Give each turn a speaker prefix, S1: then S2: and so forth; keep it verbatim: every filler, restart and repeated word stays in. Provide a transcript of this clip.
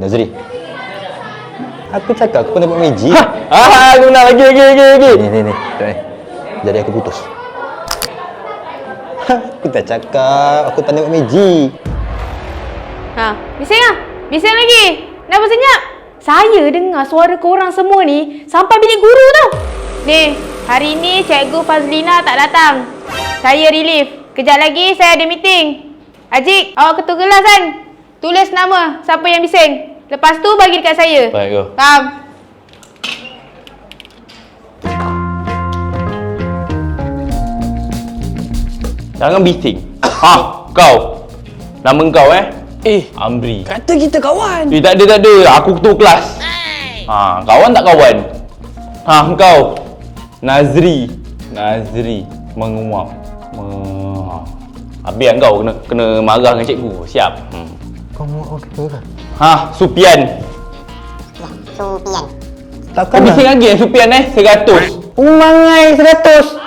S1: Nazri. Aku cakap aku pernah buat magic.
S2: Ha? Ah, aku nak lagi, lagi, lagi, lagi.
S1: Ni, ni, ni. ni. Jadi aku putus. Aku tak cakap aku tak nak buat magic.
S3: Ha, bising ah. Bising lagi. Kenapa senyap? Saya dengar suara korang semua ni sampai bilik guru tau. Ni, hari ni Cikgu Fazlina tak datang. Saya relief. Kejap lagi saya ada meeting. Ajik, awak ketua kelas kan? Tulis nama siapa yang bising. Lepas tu bagi dekat saya.
S2: Baik, go.
S3: Faham?
S2: Jangan bising. Ha, kau. Nama kau eh?
S4: Eh,
S2: Amri.
S4: kata kita kawan.
S2: Eh, tak ada, tak ada. Aku ketua kelas. Ha, kawan tak kawan? Ha, kau. Nazri. Nazri. Menguap. Me... Habis kan kau kena kena marah dengan cikgu. Siap. Hmm.
S1: Kau mau order ke?
S2: Ha, Supian.
S5: Supian.
S1: Takkan
S2: Kau bising lagi eh, Supian eh? seratus.
S1: Umangai seratus.